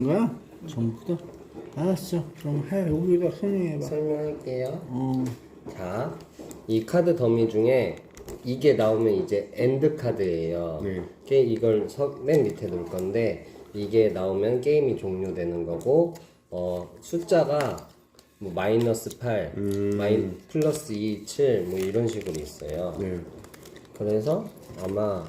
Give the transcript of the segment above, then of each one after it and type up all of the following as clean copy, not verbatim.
거야? 전부 다? 알았어. 그럼 해. 여기다 설명해봐. 설명할게요. 자, 이 카드 더미 중에 이게 나오면 이제 엔드 카드예요. 네. 이걸 맨 밑에 놓을 건데 이게 나오면 게임이 종료되는 거고 숫자가 뭐 마이너스 8, 플러스 2, 7 뭐 이런 식으로 있어요. 네. 그래서 아마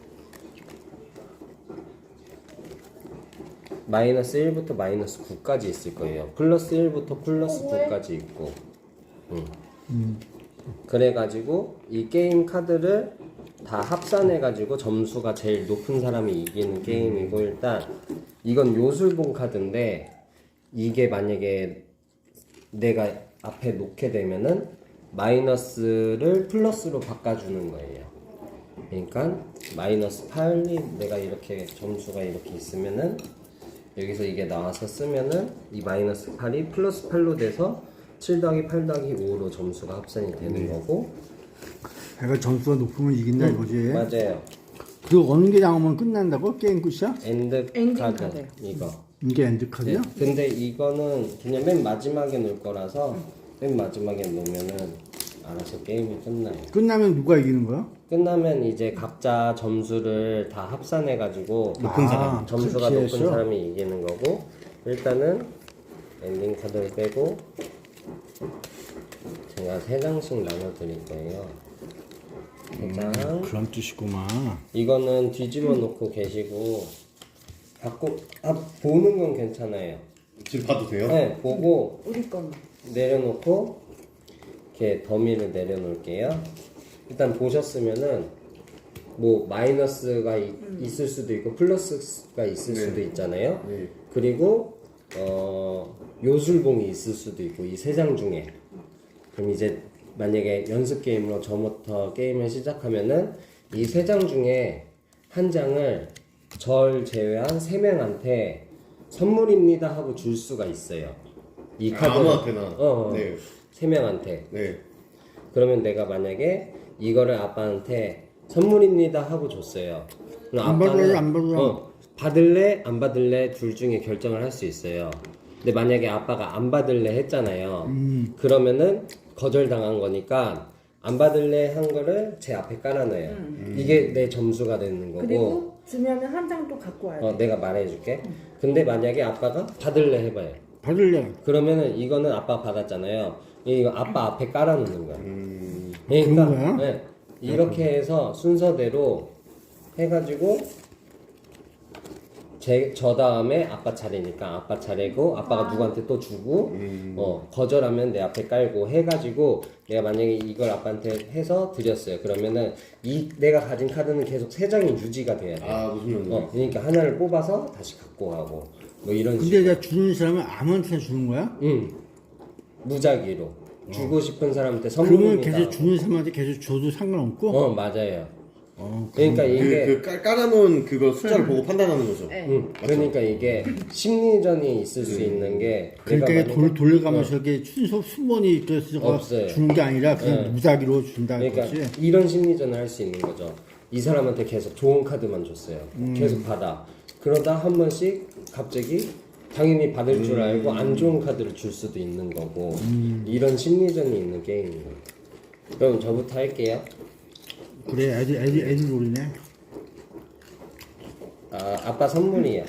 마이너스 1부터 마이너스 9까지 있을 거예요. 플러스 1부터 플러스 9까지 있고. 그래가지고 이 게임 카드를 다 합산해가지고 점수가 제일 높은 사람이 이기는 게임이고, 일단 이건 요술봉 카드인데 이게 만약에 내가 앞에 놓게 되면은 마이너스를 플러스로 바꿔주는 거예요. 그러니까 마이너스 8이 내가 이렇게 점수가 이렇게 있으면은 여기서 이게 나와서 쓰면은 이 마이너스 8이 플러스 8로 돼서 7 더하기 8 더하기 5로 점수가 합산이 되는 거고. 내가 점수가 높으면 이긴다 이거지. 맞아요. 그 어느 게 나오면 끝난다고? 게임 끝이야? 엔드 엔딩 카드 카드. 이거. 이게 엔드 카드야? 네. 근데 이거는 그냥 맨 마지막에 놓을 거라서 맨 마지막에 놓으면은 알아서 게임이 끝나요. 끝나면 누가 이기는 거야? 끝나면 이제 각자 점수를 다 합산해가지고 높은 사람. 점수가 그렇게 높은 해서? 사람이 이기는 거고, 일단은 엔딩 카드를 빼고 제가 3장씩 나눠드릴 거예요. 3장. 그런 뜻이구만. 이거는 뒤집어 놓고 계시고 보는 건 괜찮아요. 지금 봐도 돼요? 네, 보고 우리 거는 내려놓고 이렇게 더미를 내려놓을게요. 일단 보셨으면은 뭐 마이너스가 있을 수도 있고 플러스가 있을 수도 있잖아요. 네. 그리고 요술봉이 있을 수도 있고, 이 3장 중에. 그럼 이제 만약에 연습 게임으로 저부터 게임을 시작하면은 이 3장 중에 한 장을 절 제외한 3명한테 선물입니다 하고 줄 수가 있어요. 이 카드 아무한테나. 네. 3명한테. 네. 그러면 내가 만약에 이거를 아빠한테 선물입니다 하고 줬어요. 그럼 안 받을래, 안 받을래? 받을래 안 받을래 둘 중에 결정을 할 수 있어요. 근데 만약에 아빠가 안 받을래 했잖아요. 그러면은 거절당한 거니까 안 받을래 한 거를 제 앞에 깔아놔요. 이게 내 점수가 되는 거고. 그리고 주면은 한 장 또 갖고 와야 돼. 내가 말해줄게. 근데 만약에 아빠가 받을래 해봐요. 받을래. 그러면은 이거는 아빠가 받았잖아요. 이거 아빠 앞에 깔아놓는 거야. 그런 거야? 네, 이렇게 해서 순서대로 해가지고 저 다음에 아빠 차례니까 아빠 차례고, 아빠가 누구한테 또 주고, 거절하면 내 앞에 깔고 해가지고, 내가 만약에 이걸 아빠한테 해서 드렸어요. 그러면은 내가 가진 카드는 계속 3장이 유지가 돼야 돼. 아, 무슨 말이야? 그러니까 하나를 뽑아서 다시 갖고 가고 뭐 이런 근데 식으로. 내가 주는 사람은 아무한테나 주는 거야? 무작위로 주고 싶은 사람한테 그러면 선물입니다. 계속 주는 사람한테 계속 줘도 상관없고? 맞아요. 그러니까 이게 그 깔아놓은 그거 숫자를 보고 판단하는 거죠. 네. 그러니까 이게 심리전이 있을 수 있는 게, 그러니까 내가 이게 만약에- 돌려가면서 이게 순서 순번이 있어서 없어요. 주는 게 아니라 그냥 무작위로 준다는 그러니까 거지. 이런 심리전을 할 수 있는 거죠. 이 사람한테 계속 좋은 카드만 줬어요. 계속 받아. 그러다 한 번씩 갑자기 당연히 받을 줄 알고 안 좋은 카드를 줄 수도 있는 거고, 이런 심리전이 있는 게임이에요. 그럼 저부터 할게요. 그래, 애들 놀이네. 아빠 선물이야.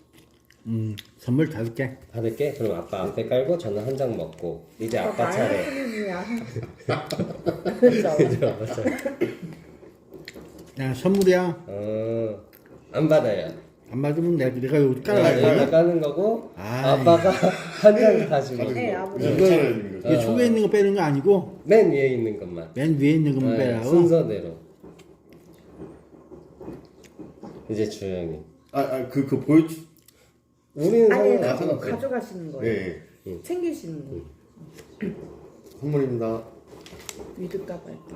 선물 5개. 받을게. 그럼 아빠 앞에 깔고 저는 한 장 먹고, 이제 아빠 차례. 그렇죠. 아빠 차례. 야, 선물이야. 안 받아요. 안 받으면 내가 여기 내가 깔아야 까는 거고, 아이. 아빠가 한 장 다시 먹고. 네, 아버지. 이게 속에 있는 거 빼는 거 아니고 맨 위에 있는 것만. 맨 위에 있는 것만 네, 빼라고. 순서대로. 이제 주영이. 그 보여주. 우리는 아니, 상관없어. 그거 가져가시는 거예요. 네. 챙기시는 거. 선물입니다. 위드값 할게.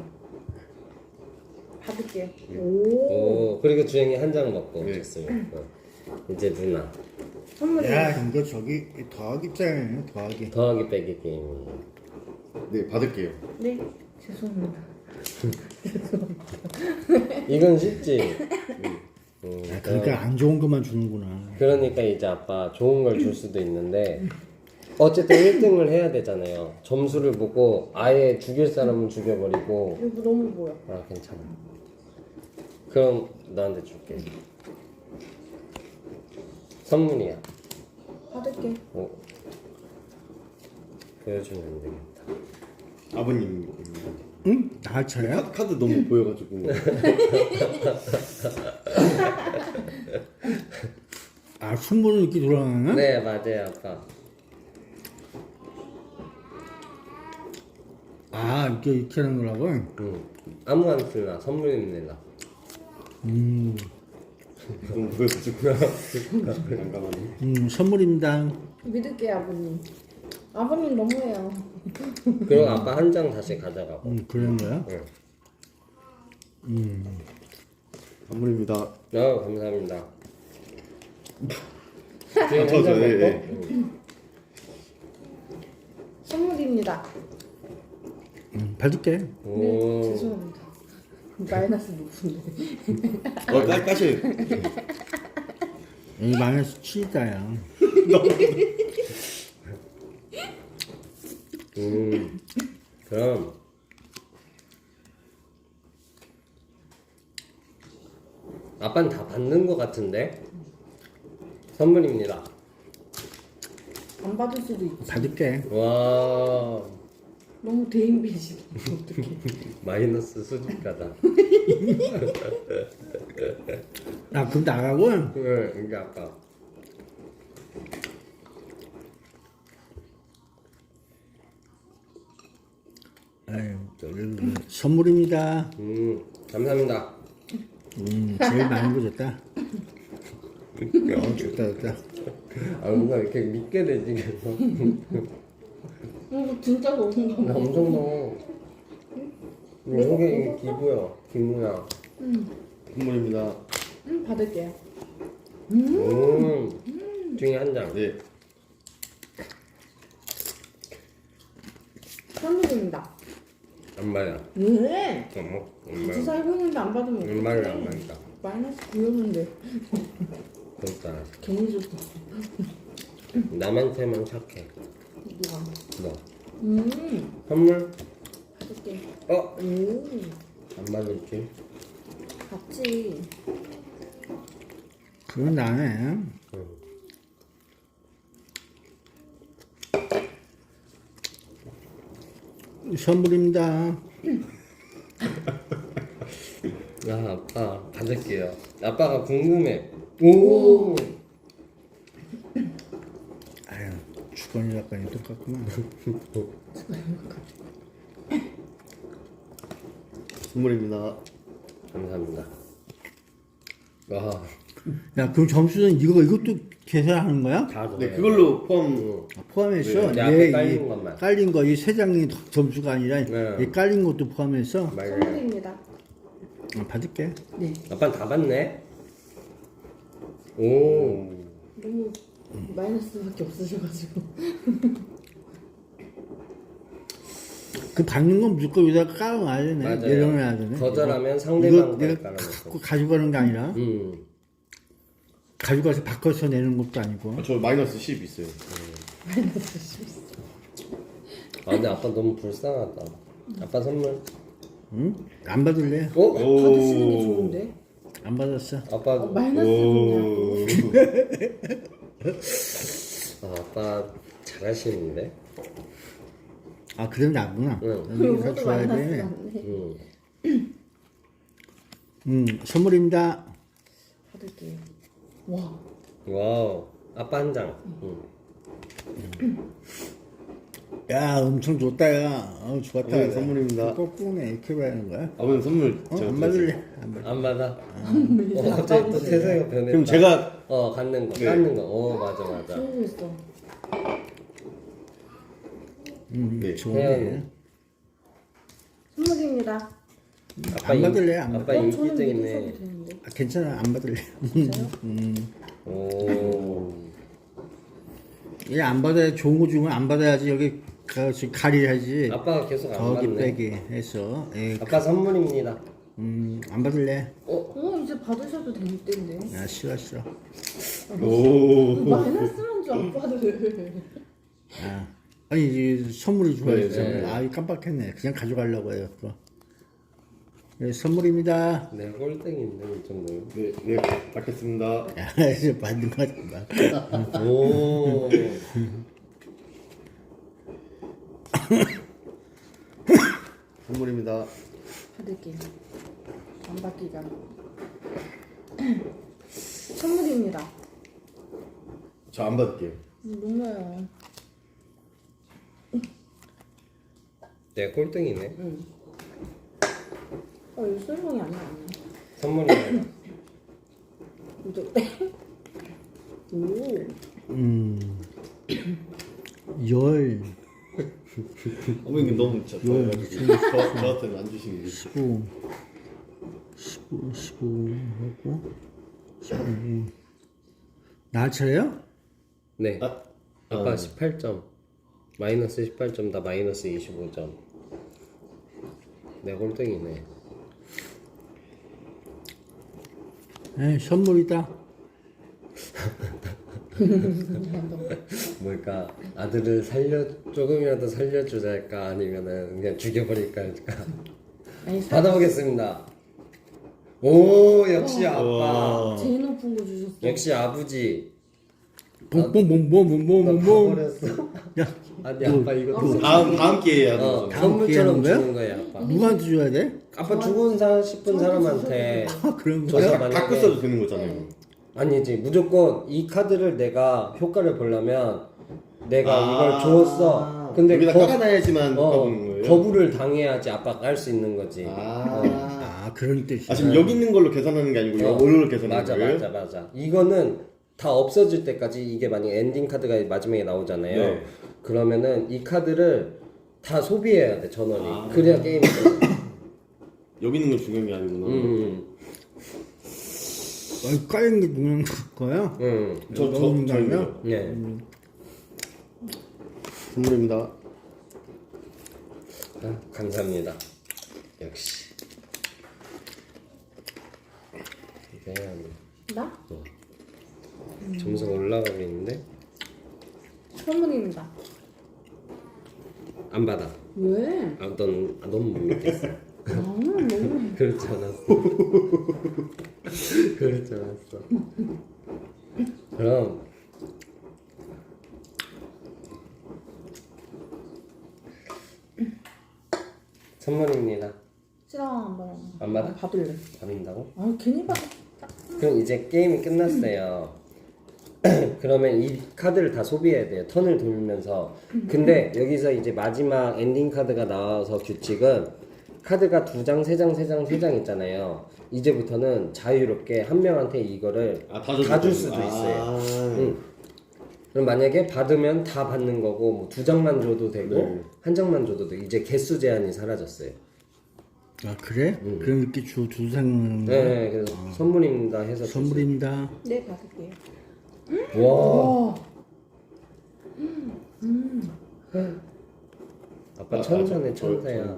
받을게. 그리고 주영이 한 장 먹고 네. 줬어요. 이제 누나. 선물이. 야, 이거 저기 더하기 입장이에요. 더하기. 더하기 빼기 게임이에요. 네, 받을게요. 네, 죄송합니다. 이건 쉽지? 그러니까 안 좋은 것만 주는구나. 그러니까 이제 아빠 좋은 걸 줄 수도 있는데 어쨌든 1등을 해야 되잖아요. 점수를 보고 아예 죽일 사람은 죽여버리고. 이거 너무 보여. 아 괜찮아. 그럼 너한테 줄게. 선물이야. 받을게. 보여주면 안 되겠다. 아버님. 응? 나 차야? 카드 너무 보여가지고. 아 선물은 이렇게 돌아가나? 네 맞아요 아빠. 아 이렇게 하는 거라고? 아무한테나 선물입니다. 너무 보여가지고. 잠깐만요. 선물입니다. 믿을게 아버님. 아버님 너무해요. 그리고 아빠 한 장 다시 가져가고. 그런 거야? 선물입니다. 감사합니다. 저죠. 예. 선물입니다. 받을게. 오. 죄송합니다. 마이너스 높은데. 까시. 이 마이너스 7이다야. 그럼 아빠는 다 받는 것 같은데 선물입니다. 안 받을 수도 있지. 받을게. 와 너무 대인배지. 어떡해. 마이너스 수집가다. 아 그럼 나가고? 네, 이게 아빠. 아유, 선물입니다. 감사합니다. 제일 많은 거 줬다. 좋다. 아 뭔가 이렇게 믿게 되지 계속. 이거 진짜 너무한가 나 봐. 엄청 넣어. 이게 기부야, 기무야. 선물입니다. 받을게요. 중에 한 장. 네. 선물입니다. 안 받아. 왜? 엄마. 같이 살고 있는데 안 받으면 얼마를 어떡해. 안 받다. 마이너스 9였는데 그렇다. 괜히 줬어. 남한테만 착해. 누가? 너. 음. 선물? 받을게. 어? 오. 안 받을지? 같이. 그건 나네. 선물입니다. 야 아빠 받을게요. 아빠가 궁금해. 오. 아유, 주권이 약간 똑같구나. 선물입니다. 감사합니다. 와. 야, 그럼 점수는 이것도 계산하는 거야? 다 네, 좋아요. 그걸로 포함. 포함해서 네, 앞에 깔린 것만. 깔린 거, 이 세 장이 점수가 아니라 네. 이 깔린 것도 포함해서 맞아요. 선물입니다. 받을게. 네. 아빠는 다 받네. 오. 너무 마이너스밖에 없으셔가지고. 그 받는 건 무조건 여기다 깔아놔야 되네. 맞아요. 내려놔야 되네. 거절하면 이거 상대방 내가 깔아놓고. 갖고 가져가는 게 아니라 가져가서 바꿔서 내는 것도 아니고. 저 마이너스 10 있어요. 아 근데 아빠 너무 불쌍하다. 아빠 선물. 응? 안 받을래? 어? 받으시는 게 좋은데. 안 받았어. 아빠. 마이너스군요. 아, 아빠 잘하시는데. 아, 그럼 나구나. 응. 여기가 이것도 좋아야 마이너스 돼. 같네. 선물입니다. 받을게요. 와. 와우. 아빠 한 장. 야, 엄청 좋다, 야. 좋았다. 네, 야. 선물입니다. 거꾸로네. 이렇게 봐야 하는 거야? 아버님 선물. 제가 안 드렸어요. 받을래? 안 받을래. 안 받아. 갑자기 또 태세가 변했다. 그럼 제가 갖는 거. 네. 갖는 거. 맞아 맞아. 좋은 있어. 네. 좋네. 태연이. 선물입니다. 아빠 안 받을래? 안 아빠 저는 인기쟁이네. 믿으셔도 되는데. 아, 괜찮아. 안 받을래. 진짜요? 오. 얘 안 받아야 좋은 거 주면 안 받아야지. 여기 가려야지. 아빠가 계속 안 더하기 받네. 빼기 해서. 예, 아빠 선물입니다. 안 받을래? 이제 받으셔도 될 텐데. 야 싫어. 오. 마이너스만 줘 아빠들. 아, 아니 이 선물이 좋아해서 네. 아 깜빡했네. 그냥 가져가려고 해요. 그거. 네, 선물입니다. 내 꼴등인데 이 정도면. 네, 네, 받겠습니다. 야, 이제 받는 거 같다. 오. 선물입니다. 받을게요. 안 받기잖아. 선물입니다. 저 안 받을게요. 너무해요. 내 꼴등이네. 응. 이거 설명이 아니야. 선물이네. 이거 오. 열, 어머니 너무 좋아가지고 저한테는 안 주시는 게. 15 하고 15. 나 차례요? 네. 아, 아빠 18점. 마이너스 18점, 나 마이너스 25점. 내 꼴등이네. 에이, 선물이다. 뭘까? 아들을 조금이라도 살려주자 할까? 아니면은 그냥 죽여버릴까 할까? 아니 받아보겠습니다. 오, 역시 아빠. 와. 제일 높은 거 주셨어. 역시 아버지. 뽕뽕뽕뽕뽕뽕뽕. 가버렸어. 야, 아니 아빠 이거 다음 기회에 하는 거. 선물처럼 기회하는 주는 거야 아빠. 누구한테 줘야 돼? 아빠 주고 싶은 사람한테 아, 그런 저 거야? 사람 만약에- 갖고 써도 되는 거잖아요. 아니지 무조건 이 카드를 내가 효과를 보려면 내가 아. 이걸 주었어. 근데 여기다 깔아놔야지만 바꾸는 거예요. 거부를 당해야지 아빠가 할 수 있는 거지. 아, 그런 뜻이야. 지금 여기 있는 걸로 계산하는 게 아니고 이걸로 계산하는 맞아 거예요? 맞아. 이거는 다 없어질 때까지 이게 만약 엔딩 카드가 마지막에 나오잖아요. 네. 그러면은 이 카드를 다 소비해야 돼 전원이. 아. 그래야 게임이 돼. 여기 있는 건 중요한 게 아니구나. 아니, 까인 게 누구랑 거야? 넣는 거 아니야? 저입니다. 네. 선물입니다. 아, 감사합니다. 역시. 이게 나? 점수가 올라가고 있는데 선물입니다. 안 받아. 왜? 너무 못 믿겠어. 너무. 그렇지 않았어. 그렇지 않았어. 그럼 선물입니다. 싫어 안 받아. 안 받아? 받을래. 받는다고? 아 괜히 받아. 그럼 이제 게임이 끝났어요. 그러면 이 카드를 다 소비해야 돼요. 턴을 돌면서. 근데 여기서 이제 마지막 엔딩 카드가 나와서 규칙은 카드가 2장, 3장, 3장, 3장 있잖아요. 이제부터는 자유롭게 한 명한테 이거를 다 줄 수도 있어요. 그럼 만약에 받으면 다 받는 거고 뭐 2장만 줘도 되고 네. 1장만 줘도 되고 이제 개수 제한이 사라졌어요. 아, 그래? 그럼 이렇게 주상 네, 그래서 선물입니다 해서 선물입니다. 네 받을게요. 줬어요. 와, 아빠 천사네 천사야.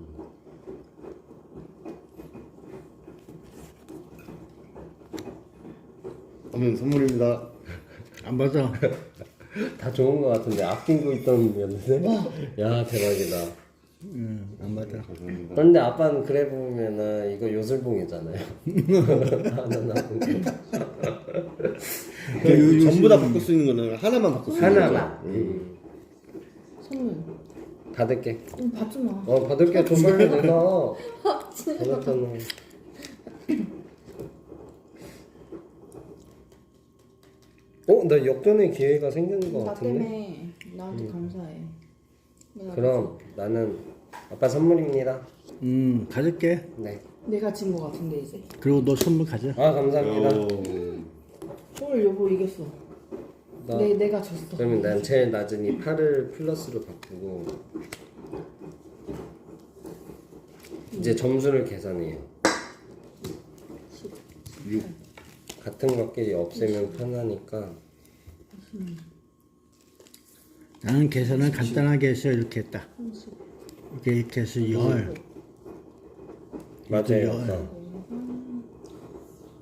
하면 선물입니다. 안 받아. 다 좋은 거 같은데 아끼고 있던 놈이었는데. 야 대박이다. 안 받아. 감사합니다. 그런데 아빠는 그래 보면은 이거 요술봉이잖아요. 하나 남은 거. 전부 다 바꿀 수 있는 거는 하나만 바꿀 수 있는 거죠? 하나만. 선물. 받을게. 받지 마. 받을게. 돈 벌려 내가. 받았잖아. 나 역전의 기회가 생기는 거 나 같은데? 때문에 나한테 감사해. 그럼 나는 아빠 선물입니다. 가질게. 네. 내가 진 거 같은데 이제. 그리고 너 선물 가져. 아 감사합니다. 헐 여보 이겼어. 나- 내가 졌어. 그러면 난 제일 낮은 이 8을 플러스로 바꾸고 이제 점수를 계산해요. 6. 같은 것끼리 없애면 편하니까. 나는 계산을 간단하게 해서 이렇게 했다. 이렇게 해서 열. 맞아요. 열. 아빠.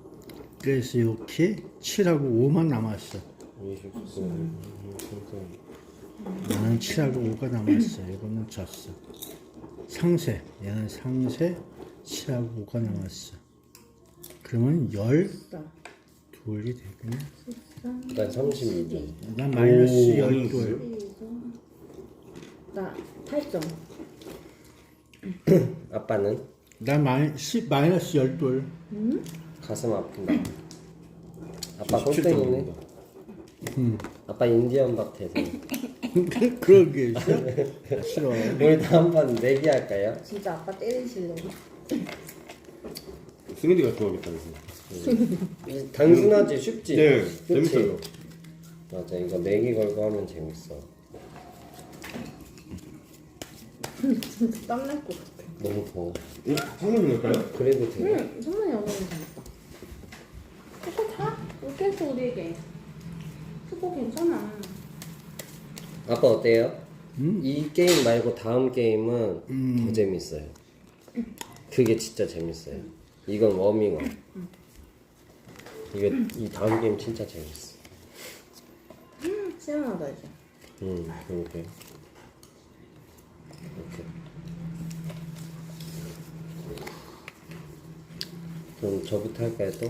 그래서 이렇게 7하고 5만 남았어. 29. 나는 7하고 5가 남았어. 이거는 졌어. 상세. 얘는 상세 7하고 5가 남았어. 그러면 12이 되겠네. 난 32점. 난 마이너스 오, 12. 나 8점. 아빠는 난 마이너스 12. 가슴 아픈다. 아빠 17점 꼴등이네. 아빠 인디언 밥 태세. 그런 게 있어? 싫어. 우리 다음번 내기 할까요? 진짜 아빠 때리시려고. 승현이가 좋아하겠다 그래서. 단순하지 쉽지. 네, 그치? 재밌어요. 맞아, 이거 내기 걸고 하면 재밌어. 진짜 땀날 것 같아. 너무 더워. 한번 넣을까요? 그래도 돼. 응, 선물이 오면 재밌다. 그거 다 웃겼어 우리에게. 그거 괜찮아. 아빠 어때요? 이 게임 말고 다음 게임은 더 재밌어요. 그게 진짜 재밌어요. 이건 워밍업. 이 다음 게임 진짜 재밌어. 시원하다 이제. 이렇게. 그럼 저부터 할까요 또?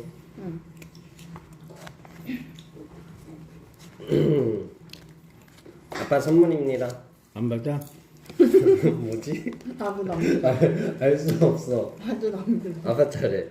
아빠 선물입니다. 안 받아? 뭐지? 나도 남들. 알 수 없어. 나도 남들. 아빠 차례.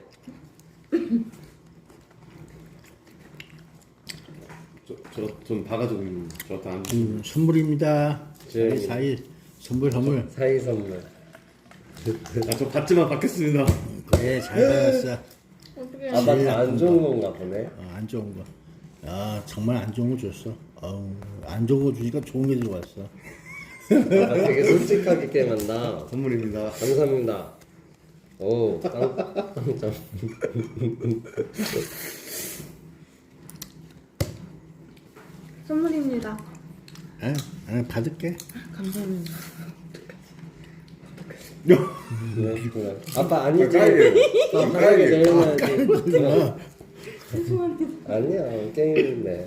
전 봐가지고 저한테 안. 선물입니다. 네. 사이 선물. 사이 선물. 저 받지만 받겠습니다. 그래 잘 받았어. 어떻게? 아빠 다 안 좋은 건가 보네. 안 좋은 거. 야 정말 안 좋은 거 줬어. 안 좋은 거 주니까 좋은 게 들어왔어. 아빠 되게 솔직하게 게임한다. 선물입니다. 감사합니다. 오, 깜짝. 선물입니다. 받을게. 감사합니다. 아빠 아니지. 깔이에요. 편하게 내려놔야지. 죄송합니다. 아니야, 게임인데.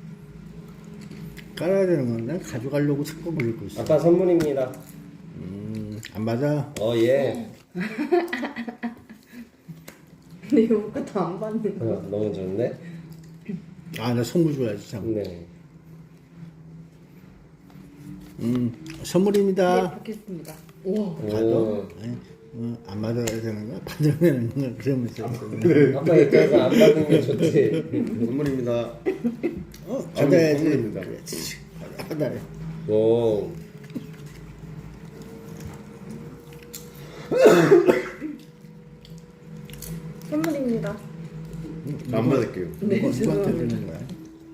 깔아야 되는 건데 가져가려고 자꾸 물고 있어. 아빠 선물입니다. 안 받아. 예. 근데 이거 것도 안 받는 거. 너무 좋은데? 나 선물 줘야지 참. 네. 선물입니다. 네, 받겠습니다. 우와. 받아. 오. 안 받아야 되는 거야? 받아야 되는 거야? 그러면서. 아빠 입장에서 안 받는 게 좋지. 선물입니다. 받아야지. 선물입니다. 그렇지. 받아야. 오. 선물입니다. 안 받을게요. 네, 누구한테 죄송합니다. 주는 거야?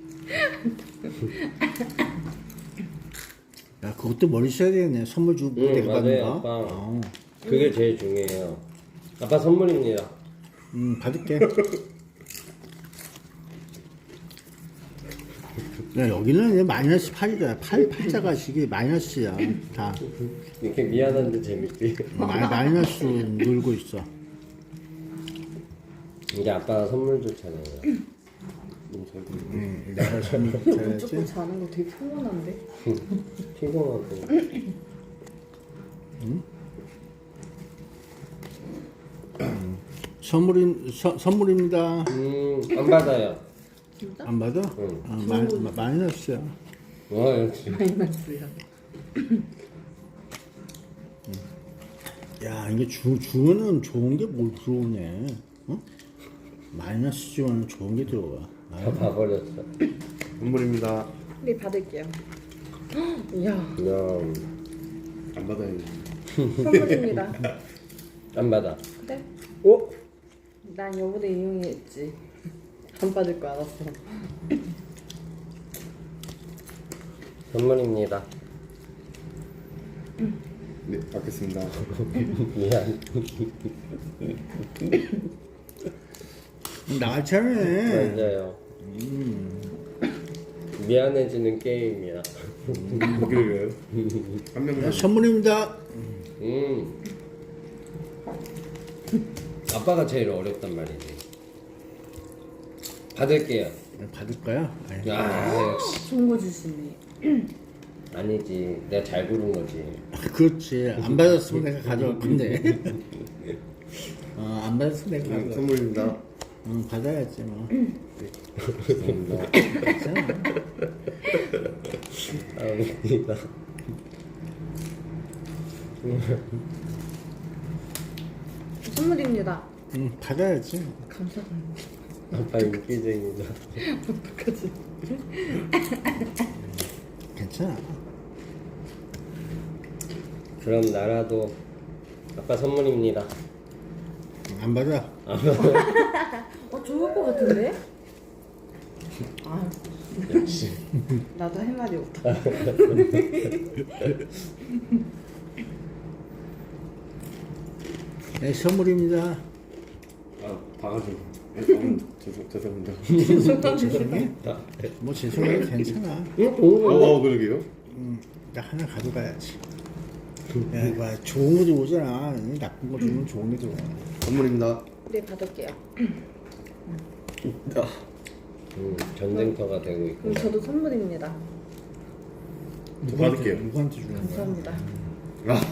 야, 그것도 머리 써야 되겠네. 선물 주고 내가 받는 맞아요, 거. 아빠. 그게 제일 중요해요. 아빠 선물입니다. 받을게. 야, 여기는 이제 마이너스 8이야. 8자가 시기 마이너스야. 다. 이렇게 미안한데 재밌지. 마이너스 놀고 있어. 이제 아빠가 선물 줬잖아요. 내가 선물 무조건 줘야지. 자는 거 되게 피곤한데? 피곤하고. 선물입니다. 안 받아요. 진짜? 안 받아? 마이너스야. 와, 역시. 마이너스야. 야, 이게 주면은 좋은 게 뭘 들어오네. 어? 마이너스 주면 좋은 게 들어와. 다 봐버렸어. 선물입니다. 네, 받을게요. 이야, 야, 안 받아요. 선물입니다. 안 받아. 그래? 오? 난 여보다 이용했지. 안 받을 거 알았어. 선물입니다. 네, 받겠습니다. 미안. 나처럼 맞아요. 미안해지는 게임이야. 보기를 한 명만. 선물입니다. 아빠가 제일 어렵단 말이지. 받을게요. 받을 거야? 아니, 아 역시 좋은 거 주시네. 아니지. 내가 잘 고른 거지. 그렇지. 안 받았으면 내가 가져갈 건데. 안 받았으면 내가 가져갈 건데. 선물입니다. 받아야지 뭐. 감사합니다. 괜찮아. 감사합니다. 선물입니다. 받아야지. 감사합니다. 아빠 인기쟁이다. 어떡하지? 괜찮아. 그럼 나라도 아빠 선물입니다. 안 받아. 좋을 것 같은데? 아, 역시. 나도 할 말이 없다. 네, 선물입니다. 아 봐가지고. 죄송합니다. 죄송해? 뭐 죄송해도 괜찮아. 그러게요. 나 하나 가져가야지. 야, 이거 좋은 거 들어오잖아. 나쁜 거 주면 좋은 게 들어와. 선물입니다. 네, 받을게요. 전쟁터가 되고 있고. 그럼 저도 선물입니다. 받을게요. 누구한테 주는 거야? 감사합니다. 아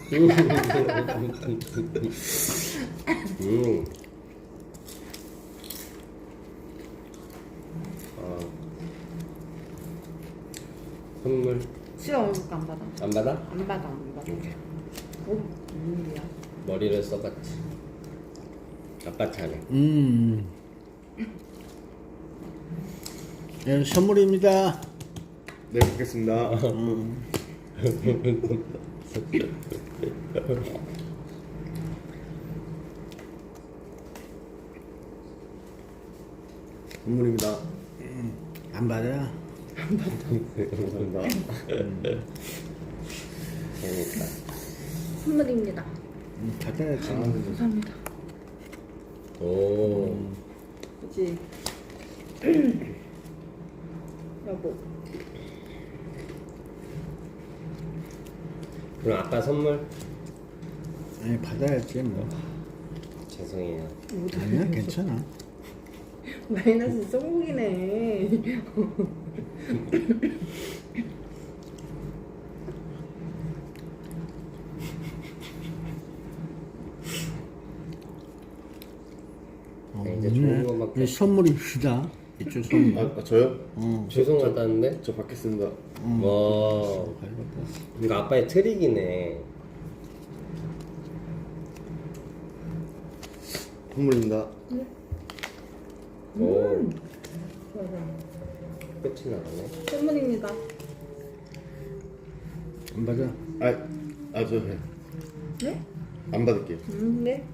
선물 싫어, 얼굴 안 받아. 안 받아? 안 받아, 안 받아. 오케이. 무슨 일이야? 머리를 써봤지. 아빠 차례. 네, 선물입니다. 네 받겠습니다. 선물입니다. 안 받아. 감사합니다. 재밌다. 선물입니다. 받아야지. 감사합니다. 오. 그치? 여보. 그럼 아빠 선물? 아니 받아야지 뭐. 죄송해요. 아니야 괜찮아. 마이너스 성공이네. 이제 좋은 거밖에. 선물입니다. 이쪽 선물. 저요? 죄송하다는데? 저 받겠습니다. 와. 이거 아빠의 트릭이네. 선물입니다. 오. 좋아, 좋아. 끝이 나네. 선물입니다. 안 받아. 저 네? 안 받을게요. 네?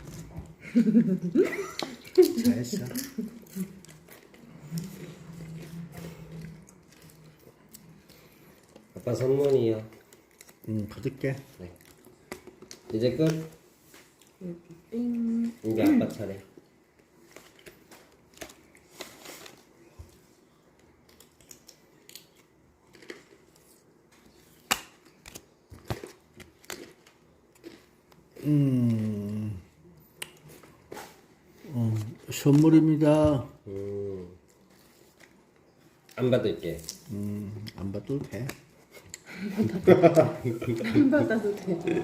잘했어. 아빠 선물이요. 받을게. 네. 이제 끝? 띵. 이제 아빠 차례. 선물입니다. 안 받을게. 안 받아도 돼. 안 받아도 돼.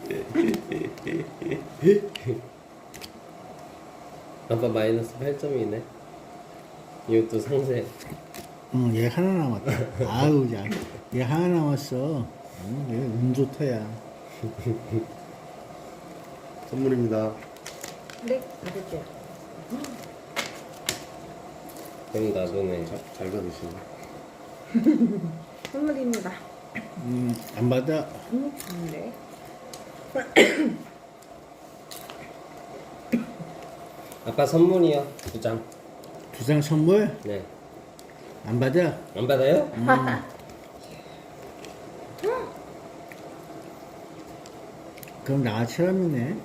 아빠 마이너스 8점이네. 이것도 상세. 얘 하나 남았다. 아유, 야, 얘 하나 남았어. 얘 운 좋다야. 선물입니다. 네, 받을게요. 그럼 나도네. 잘 받으시네. 선물입니다. 안 받아. 네. 아빠 선물이요. 2장. 2장 선물? 네. 안 받아. 안 받아요? 그럼 나처럼이네.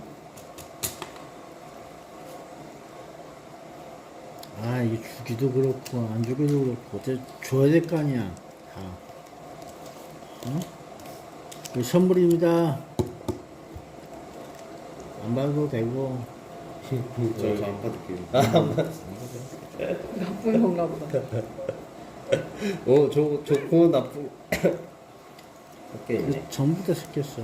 아, 이게 주기도 그렇고, 안 주기도 그렇고, 어째 줘야 될 거 아니야, 다. 응? 이거 선물입니다. 안 받아도 되고. 저안 받을게요. 나쁜 건가 보다. 좋고 나쁜 게 있네. 전부 다 섞였어.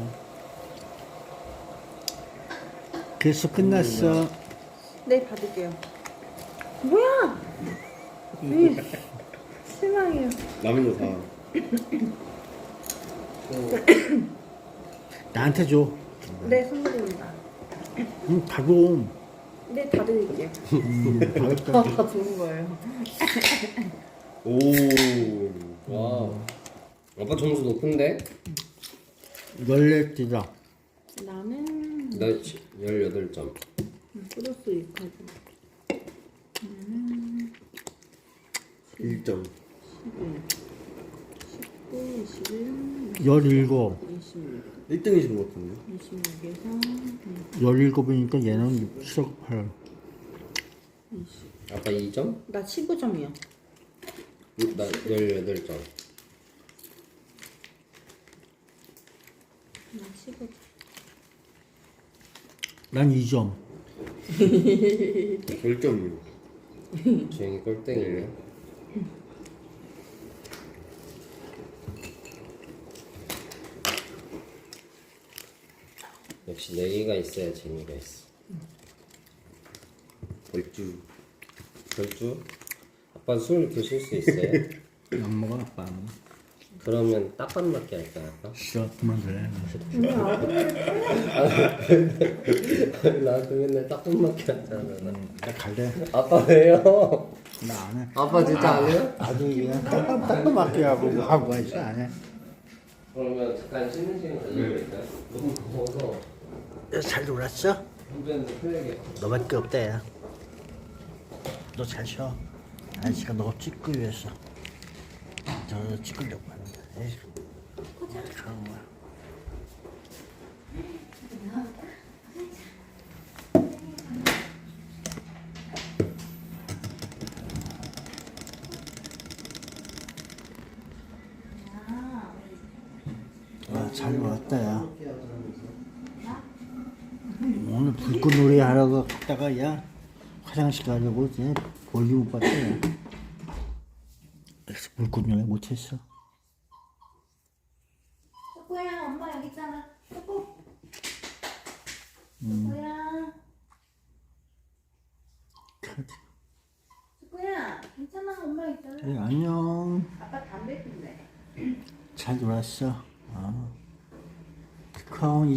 그래서 끝났어. 네, 받을게요. 뭐야? 실망해요. 남은 거 다. 나한테 줘. 네, 선물입니다. 바로. 네, 다 드릴게요. 바로 다 좋은 거예요. 오, 와. 아빠 점수 높은데? 14띠다. 나는 나 18점. 플러스 2까지. 1점. 19, 21, 17. 26. 1등이신 것 같은데. 26에서 17이니까 얘는 7억 8. 아빠 2점? 나 15점이요. 나 18점. 나 15점. 난 2점. 10점이요. 주행이 꼴등이네. 역시 내기가 있어야 재미가 있어. 벌주. 결주? 아빠 술 드실 수 있어요? 안 먹어, 아빠. 그러면 딱밥 맞게 할까요, 아빠? 싫어, 그만둘래. 나도 맨날 딱밥 맞게 하잖아. 나 갈래. 아빠 왜요? 나 안 해. 아빠 진짜 안 해요? 아주 그냥 딱딱 맞게 하고 있어, 안 해. 그러면 잠깐 쉬는 시간 가져볼까요? 너무 더워서 잘 놀았어? 운전도 편하게. 너밖에 없다, 야. 너 잘 쉬어. 아저씨가 너 찍기 위해서. 저 찍으려고 하는데. 에이. 그런 거야. 아, 잘 놀았다, 야. 오늘 불꽃놀이 하러 갔다가, 야, 화장실 가려고 이제 볼륨 못 봤다, 야. 그래서 불꽃놀이 못했어. 초코야, 엄마 여기 있잖아. 초코. 초코야. 초코야, 괜찮아. 엄마 있잖아. 그래, 안녕. 아빠 담배 피네. 잘 놀았어. 컴